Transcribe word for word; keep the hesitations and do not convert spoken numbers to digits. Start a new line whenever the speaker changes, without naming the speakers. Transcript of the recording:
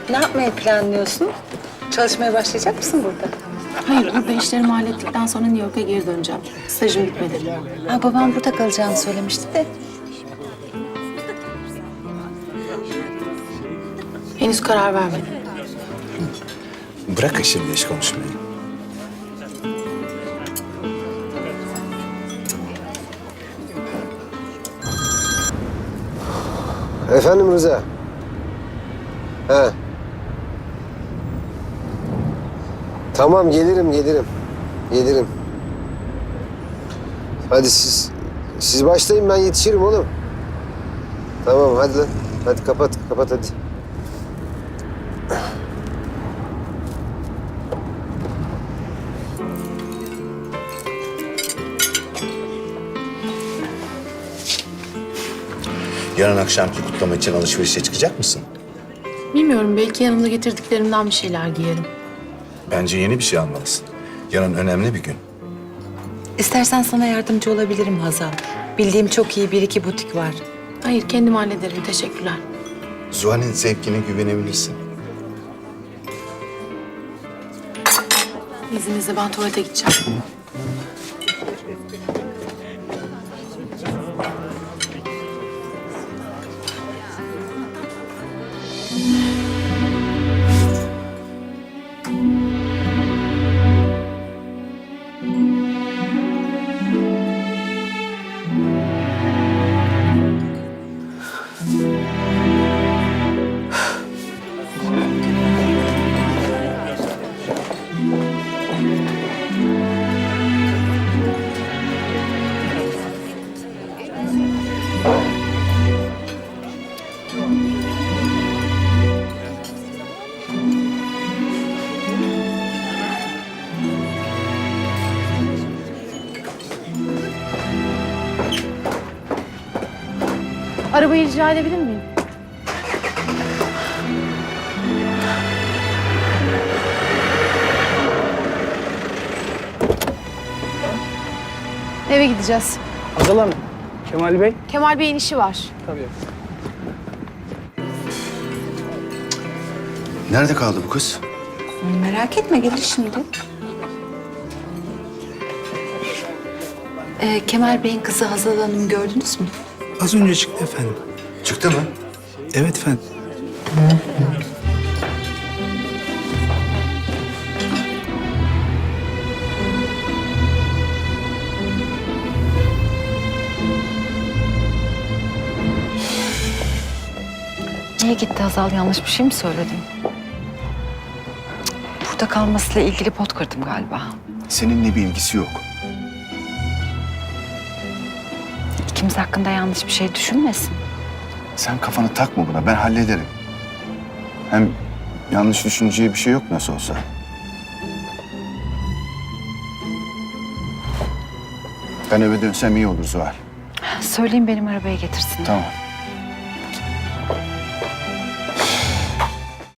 Ne yapmayı planlıyorsun? Çalışmaya başlayacak mısın burada?
Hayır, burada işlerimi hallettikten sonra New York'a geri döneceğim. Stajım bitmedi.
Ha, babam burada kalacağını söylemişti de.
Henüz karar vermedim.
Bırakın şimdi iş konuşmayı.
Efendim Rıza? He. Tamam gelirim gelirim. Gelirim. Hadi siz siz başlayın ben yetişirim oğlum. Tamam hadi lan. Hadi kapat kapat hadi.
Yarın akşamki kutlama için alışverişe çıkacak mısın?
Bilmiyorum, belki yanımda getirdiklerimden bir şeyler giyerim.
Bence yeni bir şey almalısın. Yarın önemli bir gün.
İstersen sana yardımcı olabilirim Hazal. Bildiğim çok iyi bir iki butik var.
Hayır, kendim hallederim. Teşekkürler.
Zuhal'in zevkine güvenebilirsin.
İzninizle ben tuvalete gideceğim. Arabayı rica edebilir miyim? Eve gideceğiz.
Hazal Hanım, Kemal Bey.
Kemal Bey'in işi var.
Tabii.
Nerede kaldı bu kız?
Merak etme gelir şimdi. Ee, Kemal Bey'in kızı Hazal Hanım gördünüz mü?
Az önce çıktı efendim.
Çıktı mı?
Evet efendim.
Niye gitti Hazal? Yanlış bir şey mi söyledim? Burada kalmasıyla ilgili pot kırdım galiba.
Seninle bir ilgisi yok.
İkimiz hakkında yanlış bir şey düşünmesin.
Sen kafanı takma buna, ben hallederim. Hem yanlış düşüneceği bir şey yok nasıl olsa. Ben eve dönsem iyi olur Zuhal.
Söyleyeyim benim arabaya getirsin.
Tamam.